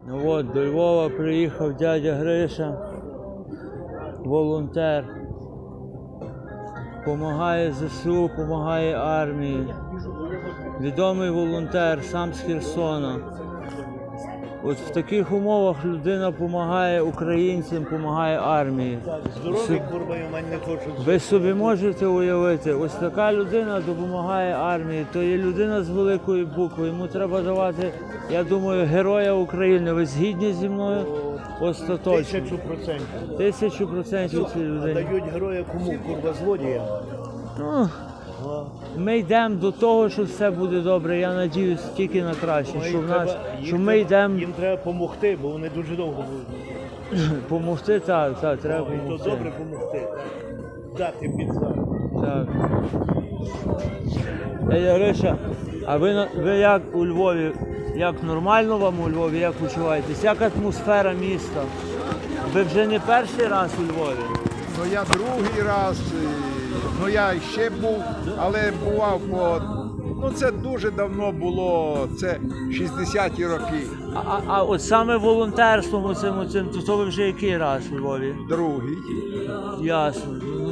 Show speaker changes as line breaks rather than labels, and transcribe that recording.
Ну от, до Львова приїхав дядя Гриша, волонтер. Помагає ЗСУ, помагає армії. Відомий волонтер, сам з Херсона. От в таких умовах людина допомагає українцям, допомагає армії.
Здоровий, курва, і в мене не хочуть.
Ви собі можете уявити, ось така людина допомагає армії, то є людина з великої букви, йому треба давати, я думаю, Героя України. Ви згідні зі мною? Остаточно.
1000%.
1000% цій
А
людині.
дають героя кому? Курва, злодіям.
Ну, ми йдемо до того, що все буде добре, я надіюсь тільки на краще, що в нас, що ми йдемо
Їм треба допомогти, бо вони дуже довго будуть.
допомогти, так, треба
І то
допомогти.
добре допомогти. Дати під зад.
Так. Дядя Гриша, а ви як у Львові, як нормально вам у Львові, як почуваєтесь? Як атмосфера міста? Ви вже не перший раз у Львові?
Ну я другий раз, ну я ще був, але бував ну це дуже давно було, це 60-ті роки,
А от саме волонтерством оцим, то ви вже який раз у Львові?
другий.
Ясно.